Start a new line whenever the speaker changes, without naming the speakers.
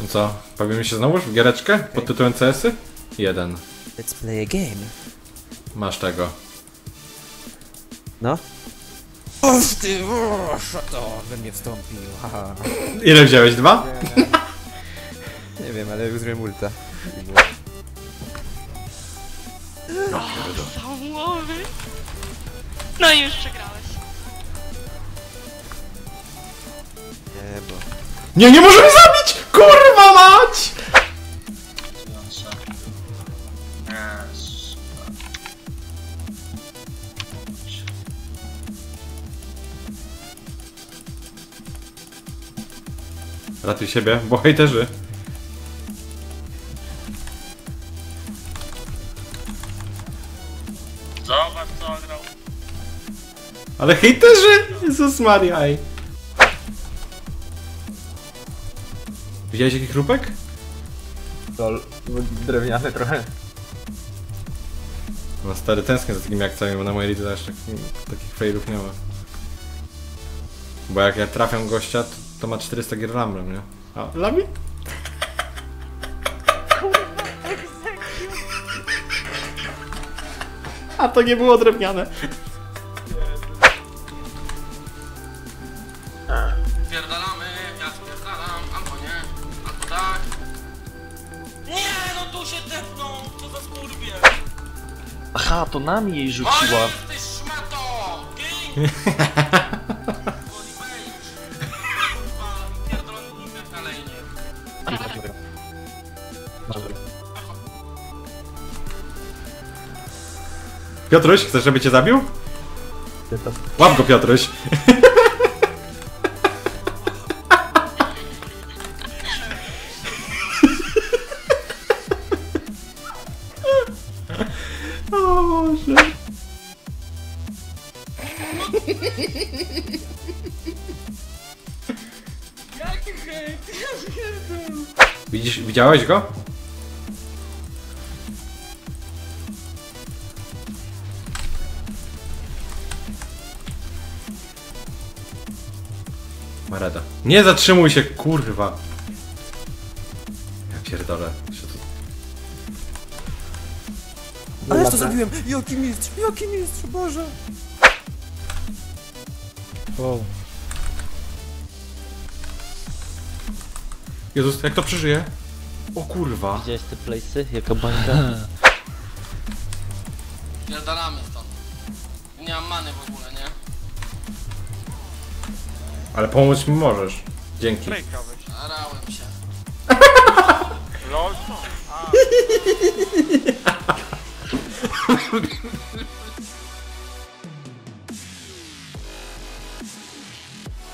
No co, bawimy się znowuż w giereczkę pod tytułem CS-y? 1.
Let's play a game.
Masz tego.
No? O ty, to we mnie wstąpił, haha.
Ile wziąłeś? 2?
Nie wiem, ale już zrobiłem ulta.
Załowy. No i już przegrałeś.
Nie, bo...
Nie możemy zabić! Kurwa mać! Ratuj siebie, bo hejterzy.
Zobacz co grał.
Ale hejterzy! Jezus Maria, ej. Widziałeś jaki chrupek?
Lol, drewniany trochę.
No stary, tęsknię za takimi akcjami, bo na mojej lidze też takich failów nie ma. Bo jak ja trafiam gościa, to ma 400 gier lamrem, nie? A, lami? A to nie było drewniane.
Spierdalamy, ja spierdalam, albo nie, albo tak. Nie, no tu się tepną, co za skurwie.
Aha, to nami jej rzuciła.
Oj, ty szmato! Gin! Woli wejść. Kurwa, pierdolony nim na lejnie.
Piotruś, chcesz, żeby cię zabił? Łap go, Piotruś. O Boże.
Jaki hejt?
Widziałeś go? Mareda. Nie zatrzymuj się, kurwa. Ja pierdolę.
Ale to zrobiłem! Jaki mistrz, Boże! Wow.
Jezus, jak to przeżyje? O kurwa.
Widziałeś te place'y? Jaka bańka?
Pierdalamy stąd. Nie mam many w ogóle, nie?
Ale pomóc mi możesz. Dzięki.
Starałem się.
Lol?